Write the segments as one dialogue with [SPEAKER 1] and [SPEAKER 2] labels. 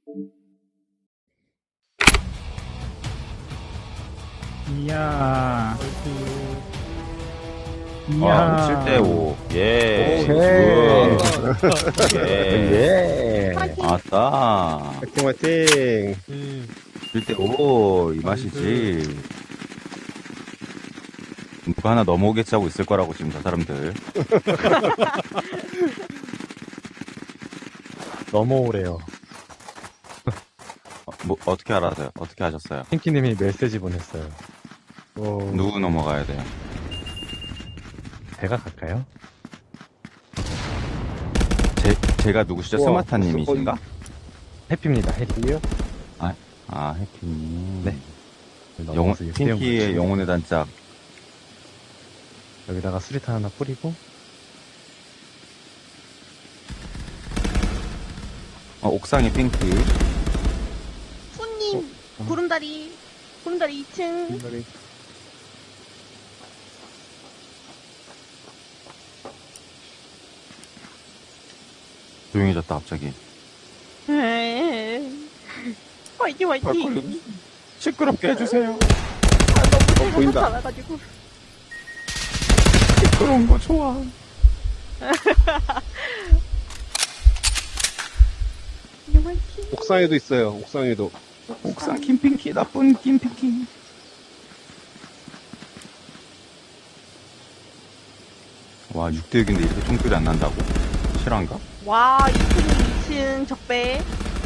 [SPEAKER 1] 이야.
[SPEAKER 2] 와, 7대5. 예. 굿. 예.
[SPEAKER 3] 파이팅!
[SPEAKER 2] 아싸.
[SPEAKER 4] 화이팅 화이팅.
[SPEAKER 2] 7대5. 이 맛이지. 누가 하나 넘어오겠지 하고 있을 거라고, 지금 저 사람들.
[SPEAKER 5] 넘어오래요.
[SPEAKER 2] 어떻게 알았어요? 어떻게 하셨어요?
[SPEAKER 5] 핑키님이 메시지 보냈어요.
[SPEAKER 2] 누구 넘어가야 돼요?
[SPEAKER 5] 제가 갈까요?
[SPEAKER 2] 제가 누구시죠?
[SPEAKER 4] 우와,
[SPEAKER 2] 스마타님이신가?
[SPEAKER 5] 해피입니다. 해피요?
[SPEAKER 2] 아, 해피님.
[SPEAKER 5] 네.
[SPEAKER 2] 핑키의 영혼의 단짝.
[SPEAKER 5] 여기다가 수리탄 하나 뿌리고.
[SPEAKER 2] 옥상에 핑키.
[SPEAKER 3] 푸님! 구름다리 2층.
[SPEAKER 2] 조용해졌다, 갑자기.
[SPEAKER 3] 화이팅, 화이팅!
[SPEAKER 2] 시끄럽게 해주세요.
[SPEAKER 3] 너무 제가
[SPEAKER 4] 보인다.
[SPEAKER 3] 살아가지고.
[SPEAKER 2] 그런 거 좋아.
[SPEAKER 3] 화이팅!
[SPEAKER 4] 옥상에도 있어요. 옥상에도.
[SPEAKER 2] 옥상 김핑키, 나쁜 김핑키. 와, 6대6인데 이렇게 총소리 안 난다고? 실화인가?
[SPEAKER 3] 와, 2층 적배.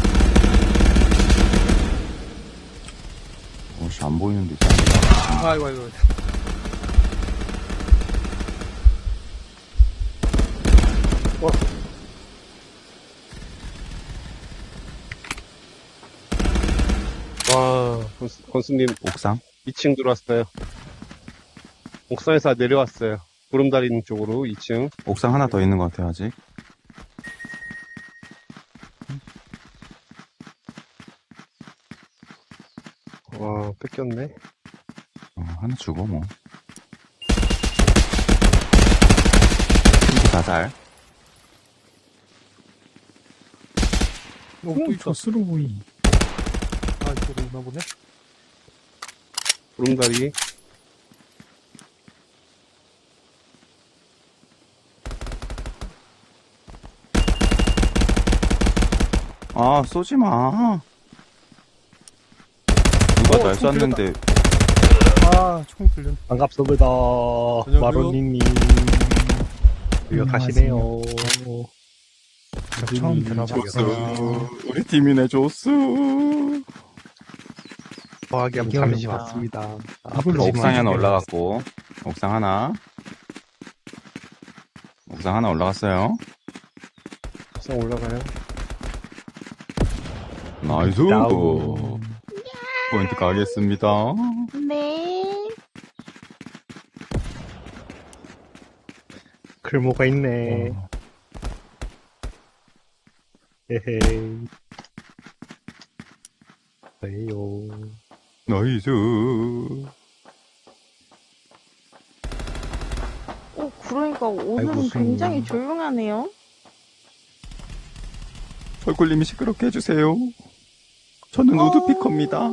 [SPEAKER 2] 어씨, 안 보이는데.
[SPEAKER 1] 아이고.
[SPEAKER 4] 와, 건수님
[SPEAKER 2] 옥상?
[SPEAKER 4] 2층 들어왔어요. 옥상에서 내려왔어요. 구름다리 쪽으로 2층.
[SPEAKER 2] 옥상 하나 더 있는 것 같아요, 아직.
[SPEAKER 4] 와, 뺏겼네.
[SPEAKER 2] 하나 주고, 뭐. 핑키 자살.
[SPEAKER 1] 또 조스로 보이. 아, 이쪽으로 오나 보네.
[SPEAKER 4] 구름다리.
[SPEAKER 2] 아, 쏘지 마. 누가 날 쐈는데.
[SPEAKER 1] 아, 총 들렸네.
[SPEAKER 5] 반갑습니다.
[SPEAKER 1] 저녁이요?
[SPEAKER 5] 마로니님. 여기가 가시네요.
[SPEAKER 1] 처음 들어봤어요.
[SPEAKER 2] 우리 팀이네, 조수.
[SPEAKER 5] 과학이 한번 잠시 왔습니다.
[SPEAKER 1] 이걸로
[SPEAKER 2] 옥상에 하나
[SPEAKER 1] 지금
[SPEAKER 2] 올라갔고. 옥상 하나. 옥상 하나 올라갔어요.
[SPEAKER 4] 옥상 올라가요.
[SPEAKER 2] 나이스.
[SPEAKER 5] 야우.
[SPEAKER 2] 포인트 가겠습니다.
[SPEAKER 3] 네.
[SPEAKER 5] 글모가 있네. 헤헤이. 왜요?
[SPEAKER 2] 나이스.
[SPEAKER 3] 그러니까 오늘은
[SPEAKER 5] 아이고,
[SPEAKER 3] 굉장히 조용하네요.
[SPEAKER 2] 설굴님이 시끄럽게 해주세요. 저는 우드피커입니다.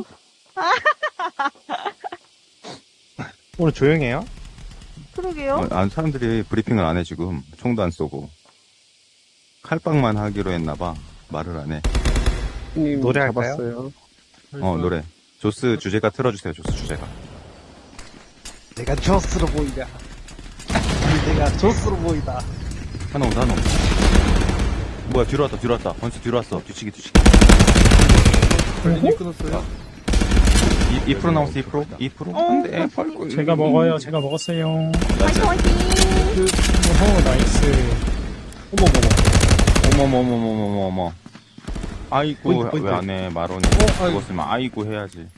[SPEAKER 5] 오늘 조용해요?
[SPEAKER 3] 그러게요.
[SPEAKER 2] 사람들이 브리핑을 안 해, 지금. 총도 안 쏘고. 칼빵만 하기로 했나봐. 말을 안 해.
[SPEAKER 4] 님
[SPEAKER 5] 노래 할까요?
[SPEAKER 4] 잡았어요.
[SPEAKER 2] 노래. 조스 주제가 틀어주세요, 조스 주제가.
[SPEAKER 5] 내가 조스로 보이다. 내가 조스로 보이다.
[SPEAKER 2] 하나 온다. 뭐야, 뒤로 왔다. 번스 뒤로 왔어. 뒤치기.
[SPEAKER 1] 걸리니 끊었어요.
[SPEAKER 2] 2% 남았어, 2%? 2%? 안 돼, 펄꿀.
[SPEAKER 1] 제가 먹어요. 제가 먹었어요.
[SPEAKER 3] 화이팅, 화이팅!
[SPEAKER 1] 나이스.
[SPEAKER 2] 어머머머머머머머. 아이고,
[SPEAKER 5] 포인트.
[SPEAKER 2] 왜 안 해, 마론이.
[SPEAKER 1] 아이고.
[SPEAKER 2] 죽었으면 아이고 해야지.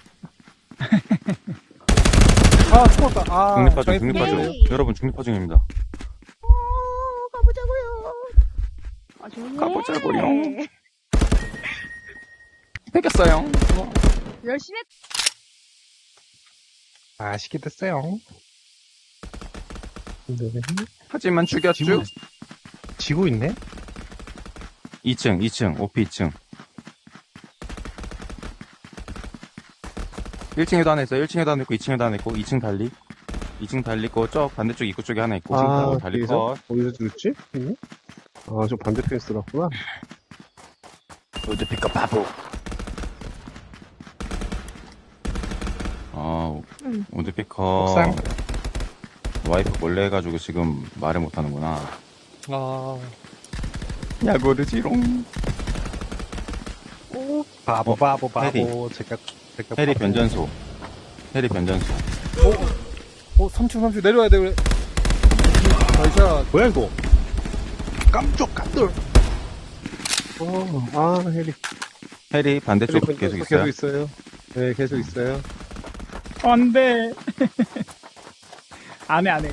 [SPEAKER 1] 아, 죽었다. 아,
[SPEAKER 2] 중립파중.
[SPEAKER 3] 네.
[SPEAKER 2] 여러분, 중립파중입니다.
[SPEAKER 3] 가보자고요. 아주
[SPEAKER 2] 가보자고요.
[SPEAKER 3] 네.
[SPEAKER 2] 뺏겼어요.
[SPEAKER 3] 열심히
[SPEAKER 5] 맛있게 됐어요.
[SPEAKER 2] 하지만 죽였죠?
[SPEAKER 5] 지고 있네?
[SPEAKER 2] 2층, 오피 2층. 1층에도 하나 있어요. 1층에도 하나 있고, 2층에도 하나 있고, 2층 달리. 2층 달리고, 저 반대쪽 입구 쪽에 하나 있고, 달리
[SPEAKER 4] 여기서?
[SPEAKER 2] 컷.
[SPEAKER 4] 어디서 죽였지? 저 반대편에 쓰놨구나.
[SPEAKER 2] 로즈 픽업 바보. 오드 피커.
[SPEAKER 5] 옥상.
[SPEAKER 2] 와이프 몰래 해가지고 지금 말을 못하는구나.
[SPEAKER 5] 아,
[SPEAKER 2] 야, 모르지롱.
[SPEAKER 3] 오,
[SPEAKER 5] 바보, 바보, 바보.
[SPEAKER 2] 해리.
[SPEAKER 5] 제가
[SPEAKER 2] 해리
[SPEAKER 5] 바보.
[SPEAKER 2] 변전소. 해리 변전소.
[SPEAKER 1] 3층 내려와야 돼, 그래. 나이샷.
[SPEAKER 5] 뭐야, 이거? 깜돌.
[SPEAKER 4] 해리.
[SPEAKER 2] 해리 반대쪽
[SPEAKER 4] 해리
[SPEAKER 2] 계속
[SPEAKER 4] 계속
[SPEAKER 2] 있어요.
[SPEAKER 4] 있어요. 네, 계속 있어요.
[SPEAKER 1] 안 돼. 안 해.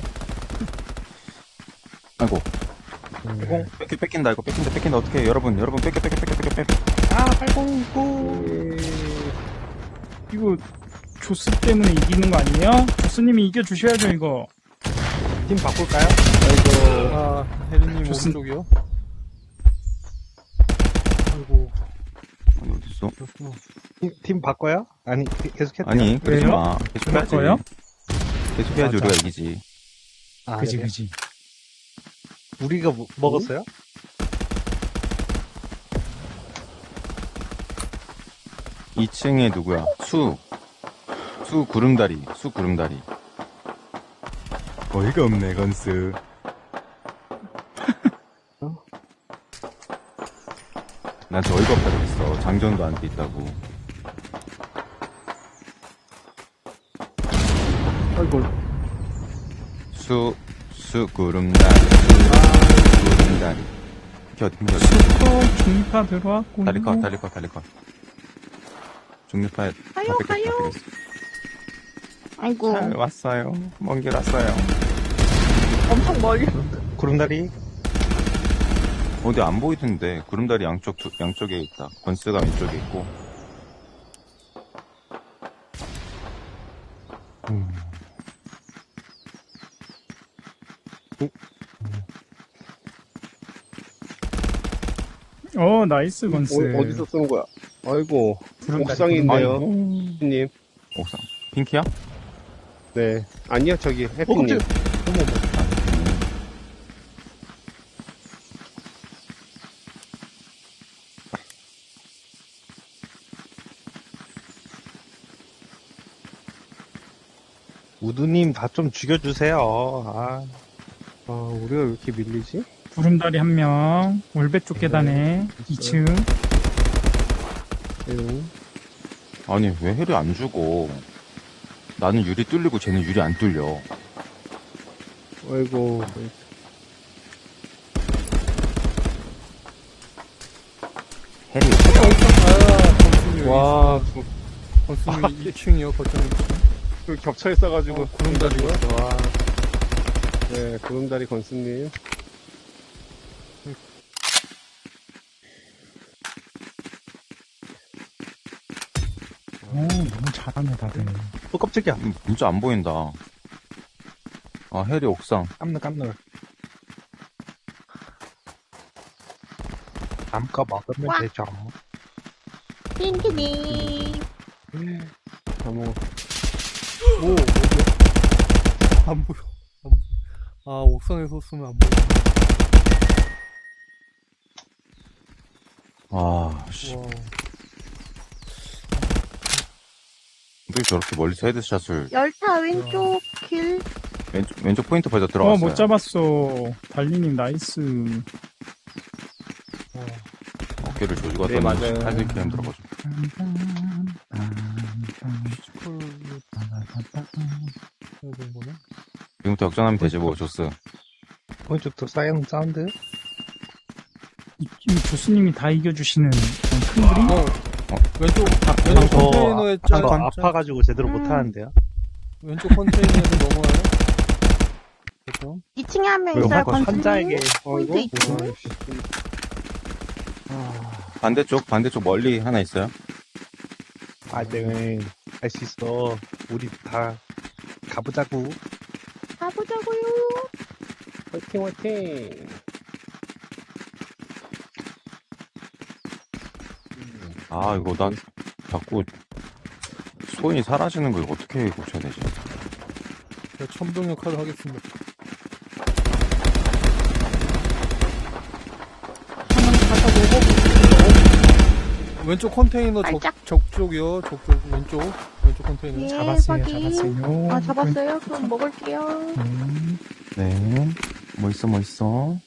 [SPEAKER 2] 아이고. 뺏긴다, 이거 뺏긴다. 어떻게 해. 여러분, 뺏겨.
[SPEAKER 1] 아, 809. 이거, 조스 때문에 이기는 거 아니에요? 조스님이 이겨주셔야죠, 이거.
[SPEAKER 5] 팀 바꿀까요?
[SPEAKER 1] 아, 혜린님
[SPEAKER 5] 조스-
[SPEAKER 1] 오른쪽이요? 아이고.
[SPEAKER 2] 아니, 어딨어?
[SPEAKER 5] 팀 바꿔요? 아니, 계속 했대요.
[SPEAKER 2] 아니, 그러지
[SPEAKER 1] 왜요?
[SPEAKER 2] 마. 계속 해야지.
[SPEAKER 1] 거예요?
[SPEAKER 2] 계속 해야지,
[SPEAKER 1] 맞아.
[SPEAKER 2] 우리가 이기지.
[SPEAKER 5] 아,
[SPEAKER 1] 그지,
[SPEAKER 5] 그래요?
[SPEAKER 1] 그지.
[SPEAKER 5] 우리가 먹었어요?
[SPEAKER 2] 이 2층에 누구야? 수 구름다리. 어이가 없네, 건스. 난 저 어이가 없다 그랬어. 장전도 안 돼 있다고.
[SPEAKER 4] 아이고.
[SPEAKER 2] 구름다리. 구름다리. 켜.
[SPEAKER 1] 슈퍼 중립파 들어왔고.
[SPEAKER 2] 다리 컷. 중립파에 다
[SPEAKER 3] 가요,
[SPEAKER 2] 뺏겼다.
[SPEAKER 3] 가요.
[SPEAKER 2] 그랬어.
[SPEAKER 3] 아이고.
[SPEAKER 2] 잘 왔어요. 먼 길 왔어요.
[SPEAKER 3] 엄청 멀리.
[SPEAKER 5] 구름다리.
[SPEAKER 2] 어디 안 보이던데. 구름다리 양쪽에 있다. 건스가 왼쪽에 있고.
[SPEAKER 1] 나이스, 건스.
[SPEAKER 4] 어디서 쏘는 거야? 아이고.
[SPEAKER 1] 구름다리,
[SPEAKER 4] 옥상에 있네요.
[SPEAKER 2] 아이고.
[SPEAKER 4] 님.
[SPEAKER 2] 옥상. 핑키야?
[SPEAKER 4] 네. 아니요, 저기, 해피님.
[SPEAKER 5] 우두님 다 좀 죽여주세요.
[SPEAKER 4] 우리가 왜 이렇게 밀리지?
[SPEAKER 1] 구름다리 한 명. 올배 쪽 계단에. 2층.
[SPEAKER 2] 아니, 왜 해리 안 죽어? 나는 유리 뚫리고 쟤는 유리 안 뚫려.
[SPEAKER 4] 아이고.
[SPEAKER 2] 해리.
[SPEAKER 4] 와,
[SPEAKER 1] 건스님 2층이요, 거점 2층.
[SPEAKER 4] 그 겹쳐 있어가지고.
[SPEAKER 1] 구름다리요?
[SPEAKER 4] 와. 네, 구름다리 건스님.
[SPEAKER 1] 너무 잘하네, 다들.
[SPEAKER 5] 깜짝이야.
[SPEAKER 2] 진짜 안 보인다. 해리 옥상.
[SPEAKER 5] 깜놀. 남거 먹으면
[SPEAKER 3] 와.
[SPEAKER 5] 되죠.
[SPEAKER 3] 핑키님.
[SPEAKER 4] 어머.
[SPEAKER 1] 오, 어디야? 안 보여. 옥상에서 쏘면 안 보여.
[SPEAKER 2] 씨.
[SPEAKER 1] 와.
[SPEAKER 2] 어떻게 저렇게 멀리서 헤드샷을.
[SPEAKER 3] 열차 왼쪽 길.
[SPEAKER 2] 왼쪽 포인트 벌써 들어갔어요.
[SPEAKER 1] 못 잡았어. 달리님, 나이스.
[SPEAKER 2] 어깨를 조지고
[SPEAKER 4] 네,
[SPEAKER 2] 왔더니
[SPEAKER 4] 맞아요.
[SPEAKER 2] 사실 이렇게 힘들어가지고. 지금부터 역전하면 되지 뭐, 조스.
[SPEAKER 5] 오른쪽도 사운드.
[SPEAKER 1] 이 조스님이 다 이겨주시는 큰 그림?
[SPEAKER 6] 왼쪽
[SPEAKER 5] 저
[SPEAKER 6] 컨테이너에
[SPEAKER 5] 한거 아파가지고 제대로 못하는데요.
[SPEAKER 6] 왼쪽 컨테이너에서 넘어와요. 그렇죠?
[SPEAKER 3] 2층에 한 명
[SPEAKER 5] 그럼
[SPEAKER 3] 있어요,
[SPEAKER 5] 한거
[SPEAKER 3] 건스님.
[SPEAKER 5] 환자에게.
[SPEAKER 3] 포인트 있고.
[SPEAKER 2] 반대쪽 멀리 하나 있어요.
[SPEAKER 5] 네. 할 수 있어. 우리 다 가보자고.
[SPEAKER 3] 가보자고요.
[SPEAKER 4] 화이팅.
[SPEAKER 2] 이거 나 자꾸 손이 사라지는 걸 어떻게 고쳐야 되지?
[SPEAKER 6] 제가 첨동 역할을 하겠습니다. 왼쪽 컨테이너
[SPEAKER 3] 살짝.
[SPEAKER 6] 적쪽이요. 왼쪽 컨테이너.
[SPEAKER 3] 예,
[SPEAKER 1] 잡았어요,
[SPEAKER 3] 확인.
[SPEAKER 1] 잡았어요.
[SPEAKER 3] 아, 잡았어요? 그럼 먹을게요.
[SPEAKER 2] 네. 뭐 있어?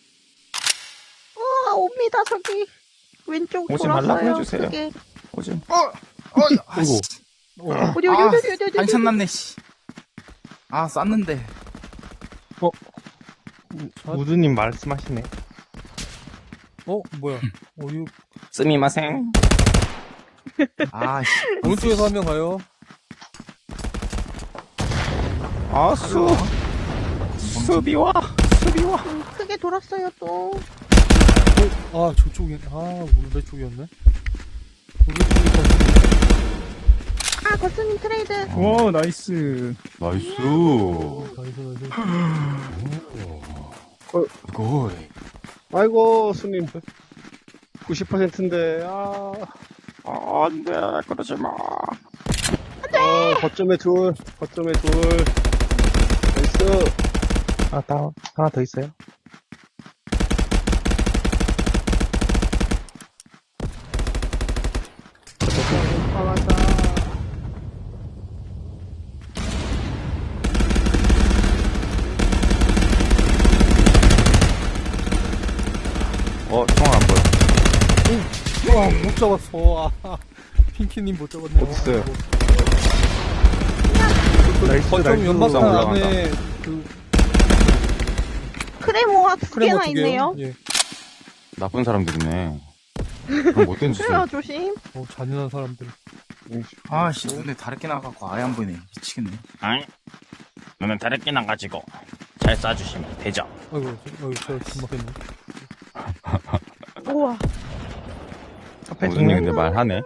[SPEAKER 3] 우와, 옵니다, 저기. 왼쪽
[SPEAKER 2] 오지
[SPEAKER 3] 돌았어요.
[SPEAKER 2] 말라고 해주세요.
[SPEAKER 3] 그게.
[SPEAKER 2] 오지.
[SPEAKER 7] 아이고.
[SPEAKER 3] 어디,
[SPEAKER 7] 아,
[SPEAKER 3] 어디.
[SPEAKER 7] 한참 남네, 씨. 아, 쐈는데.
[SPEAKER 5] 우드님 말씀하시네.
[SPEAKER 6] 뭐야. 어유
[SPEAKER 2] 스미마생.
[SPEAKER 7] 아, 씨.
[SPEAKER 6] 오른쪽에서 한 명 가요.
[SPEAKER 2] 수비와.
[SPEAKER 3] 크게 돌았어요, 또.
[SPEAKER 6] 저쪽이, 울배 쪽이었네. 울배 쪽이 컨테이너.
[SPEAKER 3] 아, 거스님 트레이드.
[SPEAKER 1] 와, 나이스.
[SPEAKER 2] 나이스.
[SPEAKER 6] 나이스.
[SPEAKER 2] 이거.
[SPEAKER 4] 아이고, 수님. 90%인데,
[SPEAKER 2] 안 돼, 그러지 마.
[SPEAKER 4] 거점에 둘. 나이스.
[SPEAKER 5] 아, 다운. 하나 더 있어요?
[SPEAKER 2] 총 안 보여.
[SPEAKER 6] 못 잡았어. 핑키님 못 잡았네.
[SPEAKER 4] 어딨어요?
[SPEAKER 6] 거점 연막탄
[SPEAKER 2] 올라간다.
[SPEAKER 6] 안에
[SPEAKER 3] 크레모가 두
[SPEAKER 6] 크레모
[SPEAKER 3] 개나
[SPEAKER 6] 두 개요.
[SPEAKER 3] 있네요.
[SPEAKER 6] 예.
[SPEAKER 2] 나쁜 사람들이네. 그럼 못된 짓을.
[SPEAKER 3] 그래요, 조심.
[SPEAKER 6] 잔인한 사람들.
[SPEAKER 7] 아, 씨. 눈에 다르게 나가고 아예 안 보이네. 미치겠네.
[SPEAKER 2] 아니, 너는 다르게 나가지고 잘 쏴주시면 되죠.
[SPEAKER 6] 아이고, 제가 금방했네.
[SPEAKER 3] 우와.
[SPEAKER 2] 우준이 근데 말하네.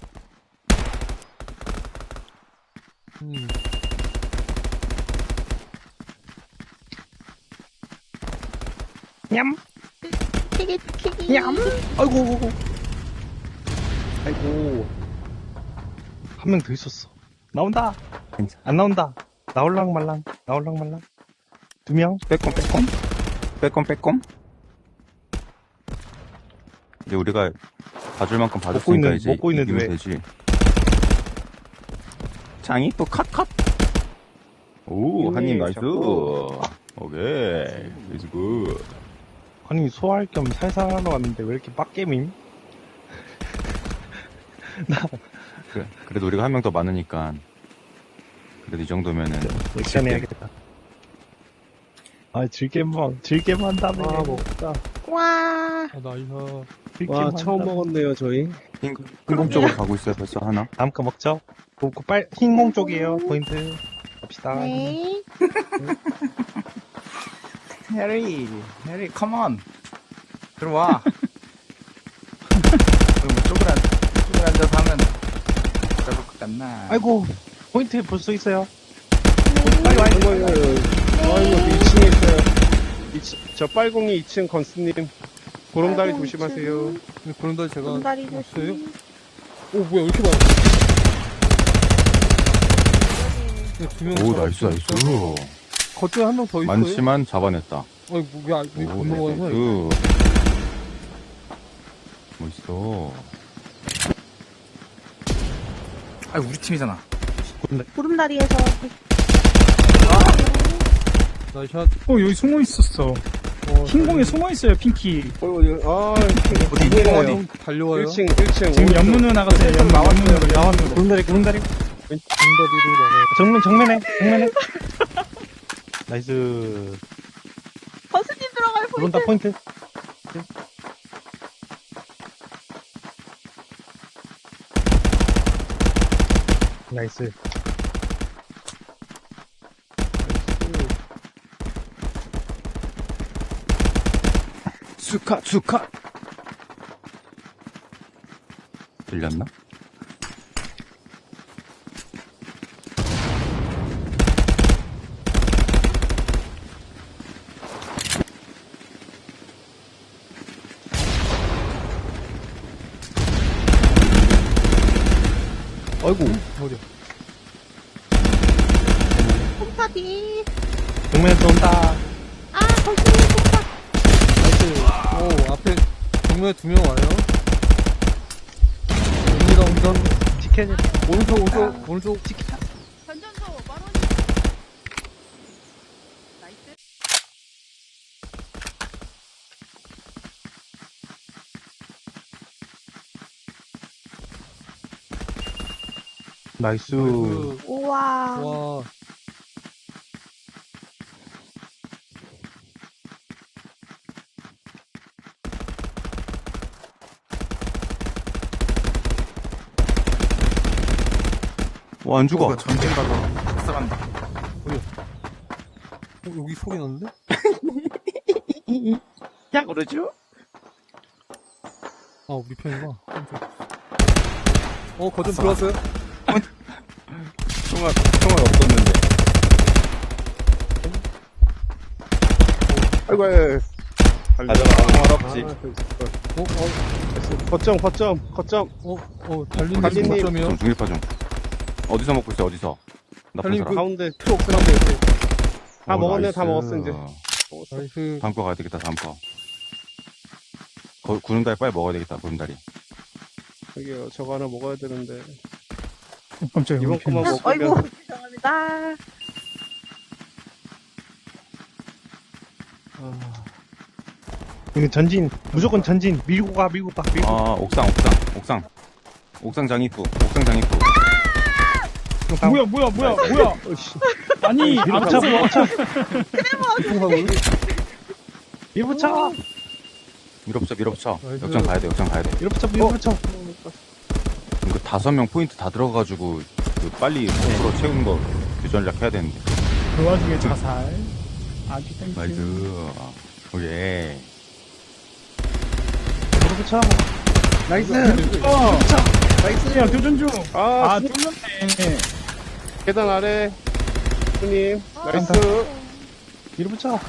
[SPEAKER 3] 튀기.
[SPEAKER 5] 아이고.
[SPEAKER 4] 아이고.
[SPEAKER 5] 한 명 더 있었어. 나온다. 안 나온다. 나올랑 말랑. 두 명.
[SPEAKER 2] 빼꼼. 이제 우리가 봐줄 만큼
[SPEAKER 5] 먹고
[SPEAKER 2] 봐줬으니까
[SPEAKER 5] 있는-
[SPEAKER 2] 이제
[SPEAKER 5] 먹고 있는데
[SPEAKER 2] 이기면
[SPEAKER 5] 왜?
[SPEAKER 2] 되지. 장이 또 컷. 오, 한입 나이스.
[SPEAKER 5] 자꾸.
[SPEAKER 2] 오케이. 이즈 굿.
[SPEAKER 5] 아니, 소화할 겸 살살 하러 왔는데 왜 이렇게 빡겜임?
[SPEAKER 2] 그래, 그래도 우리가 한 명 더 많으니까. 그래도 이 정도면은.
[SPEAKER 5] 액션 해야겠다. 즐겜 한다며.
[SPEAKER 4] 먹다.
[SPEAKER 3] 와.
[SPEAKER 6] 나이스.
[SPEAKER 4] 와, 처음 먹었네요, 저희.
[SPEAKER 2] 흰공 쪽으로 가고 있어요, 벌써 하나.
[SPEAKER 5] 다음 거 먹죠? 흰공 쪽이에요, 포인트. 갑시다.
[SPEAKER 3] 네.
[SPEAKER 7] 해리, 컴온. 들어와. 그럼 뭐 쪽을 앉아서 하면 잡을 것 같나?
[SPEAKER 5] 아이고, 포인트 볼 수 있어요.
[SPEAKER 4] 아이고, 2층에 있어요. 저 빨공이 2층 건스님. 보름다리
[SPEAKER 3] 아이고,
[SPEAKER 4] 조심하세요.
[SPEAKER 6] 그런다 제가
[SPEAKER 3] 공다리
[SPEAKER 6] 없어요?
[SPEAKER 3] 조심.
[SPEAKER 6] 뭐야, 이렇게 많아.
[SPEAKER 2] 오, 나이스.
[SPEAKER 6] 거쪽에 한 명 더 있어요?
[SPEAKER 2] 많지만 잡아냈다.
[SPEAKER 6] 아이고, 왜
[SPEAKER 2] 오,
[SPEAKER 6] 못 넘어가냐?
[SPEAKER 2] 나이스. 멋있어.
[SPEAKER 7] 아, 우리 팀이잖아.
[SPEAKER 3] 구름다리에서.
[SPEAKER 6] 나이샷.
[SPEAKER 1] 여기 숨어 있었어. 흰공에 숨어 있어요, 핑키.
[SPEAKER 7] 어디, 어디?
[SPEAKER 6] 달려와요.
[SPEAKER 4] 1층.
[SPEAKER 1] 지금 연문으로 나갔어요, 연문으로.
[SPEAKER 5] 구름다리.
[SPEAKER 6] 공다리를 막아요.
[SPEAKER 5] 정면에. 나이스.
[SPEAKER 3] 거스님 들어갈
[SPEAKER 5] 들어온다, 포인트. 나이스.
[SPEAKER 2] 수카. 들렸나?
[SPEAKER 5] 아이고.
[SPEAKER 6] 어디야?
[SPEAKER 3] 피.
[SPEAKER 5] 정면에서 온다.
[SPEAKER 3] 아, 거스님 폭파.
[SPEAKER 6] 나이스. 오, 앞에 정면에 2명 와요. 옵니다, 옵니다.
[SPEAKER 5] 지켜야 돼.
[SPEAKER 6] 오른쪽.
[SPEAKER 3] 전전소, 마로니. 나이스.
[SPEAKER 5] 나이스.
[SPEAKER 3] 우와.
[SPEAKER 6] 와.
[SPEAKER 2] 와, 안 죽어.
[SPEAKER 7] 전진 가서 박사간다.
[SPEAKER 6] 여기 소리 났는데?
[SPEAKER 5] 야, 그러죠?
[SPEAKER 6] 아, 우리 편이구나. 거점 들어왔어요?
[SPEAKER 2] 총알 없었는데.
[SPEAKER 4] 아이고, 아이고.
[SPEAKER 2] 가져가, 총알 없지.
[SPEAKER 4] 거점.
[SPEAKER 6] 달리님
[SPEAKER 4] 달리님.
[SPEAKER 6] 거점이요?
[SPEAKER 2] 좀 중립화 좀. 어디서 먹고 있어, 어디서? 나쁜
[SPEAKER 6] 달님
[SPEAKER 2] 사람.
[SPEAKER 4] 가운데 트럭 가운데 옆에. 다
[SPEAKER 2] 오,
[SPEAKER 4] 먹었네,
[SPEAKER 2] 나이스.
[SPEAKER 4] 다 먹었어, 이제.
[SPEAKER 6] 나이스.
[SPEAKER 2] 다음 거 가야 되겠다, 다음 거. 구름다리 빨리 먹어야 되겠다, 구름다리.
[SPEAKER 4] 저기요, 저거 하나 먹어야 되는데.
[SPEAKER 1] 깜짝이야.
[SPEAKER 4] 이번
[SPEAKER 1] 우리 편.
[SPEAKER 4] 거만
[SPEAKER 3] 아이고,
[SPEAKER 4] 먹으면.
[SPEAKER 3] 죄송합니다.
[SPEAKER 5] 이거 전진. 무조건 전진. 밀고 가.
[SPEAKER 2] 아, 옥상 장입구.
[SPEAKER 1] 뭐야. 아니, 앞에서
[SPEAKER 5] 밀붙여.
[SPEAKER 2] 밀어붙여.
[SPEAKER 6] 나이스.
[SPEAKER 2] 역전 가야 돼.
[SPEAKER 5] 밀붙여.
[SPEAKER 2] 이거 5명 포인트 다 들어가가지고, 빨리 100% 채우는 거 전략 해야 되는데.
[SPEAKER 1] 그 와중에 자살. 아주 땡큐.
[SPEAKER 2] 나이스. 오예.
[SPEAKER 5] 밀붙여. 나이스.
[SPEAKER 1] 나이스. 야, 교전 중.
[SPEAKER 4] 아,
[SPEAKER 1] 뚫렸네.
[SPEAKER 4] 계단 아래. 손님, 나이스.
[SPEAKER 5] 밀붙여.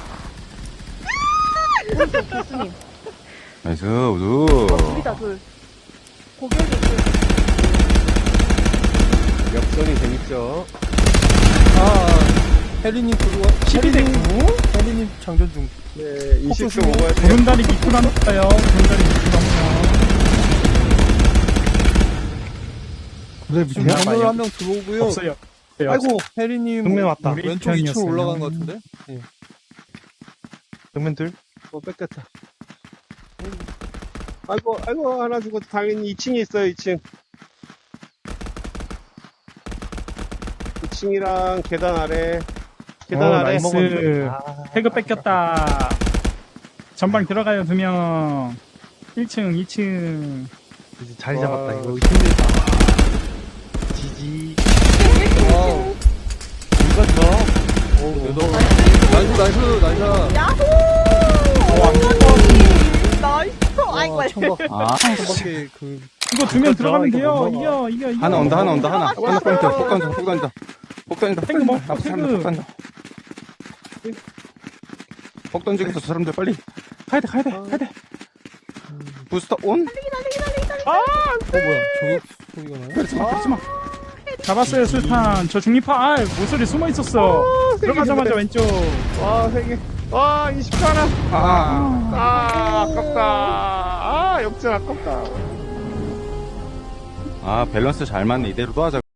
[SPEAKER 3] 교수님.
[SPEAKER 2] 나이스, 우두.
[SPEAKER 3] 둘이다, 둘. 고객이 둘.
[SPEAKER 4] 역전이 재밌죠.
[SPEAKER 6] 혜리님 들어와.
[SPEAKER 1] 12대 9.
[SPEAKER 6] 혜리님 장전 중.
[SPEAKER 4] 네, 20초 먹어야 돼요.
[SPEAKER 1] 구름다리 밑으로 남았어요. 구름다리 밑으로 남았어요.
[SPEAKER 6] 지금 정면으로 한 명 들어오고요.
[SPEAKER 1] 없어요.
[SPEAKER 5] 아이고.
[SPEAKER 6] 혜리님
[SPEAKER 5] 정면 왔다.
[SPEAKER 1] 우리
[SPEAKER 6] 왼쪽 2층
[SPEAKER 1] 편이었어요.
[SPEAKER 6] 올라간 것 같은데?
[SPEAKER 5] 정면 둘.
[SPEAKER 4] 뺏겼다. 아이고, 하나 주고 당연히 2층에 있어요, 2층. 2층이랑 계단 아래. 계단 아래.
[SPEAKER 1] 나이스. 태그 뺏겼다. 전방 들어가요, 2명. 1층, 2층.
[SPEAKER 5] 이제 자리
[SPEAKER 4] 와.
[SPEAKER 5] 잡았다. 이거 힘들다. 지지.
[SPEAKER 6] 와우.
[SPEAKER 5] 이거
[SPEAKER 6] 나이스.
[SPEAKER 3] 야호! 나이스! 아이고,
[SPEAKER 6] 와, 청박.
[SPEAKER 2] 아,
[SPEAKER 6] 청박에
[SPEAKER 1] 이거 2명 들어가면
[SPEAKER 5] 이거
[SPEAKER 1] 돼요.
[SPEAKER 5] 못 먹어.
[SPEAKER 1] 이겨.
[SPEAKER 2] 하나 온다. 하나 포인트. 폭 던진다.
[SPEAKER 1] 태그 뭐,
[SPEAKER 2] 앞에 사람들
[SPEAKER 1] 태그.
[SPEAKER 2] 폭 던져. 폭 던지고 있어, 저 사람들 빨리. 가야 돼. 부스터 온?
[SPEAKER 6] 뭐야, 저격 소리가 나요?
[SPEAKER 2] 그러지 마.
[SPEAKER 1] 잡았어요, 술탄. 저 중립파. 모서리 숨어 있었어. 들어가자마자 왼쪽.
[SPEAKER 4] 와, 3개. 와, 20초 하나. 아깝다. 역전 아깝다.
[SPEAKER 2] 아, 밸런스 잘 맞네. 이대로 또 하자.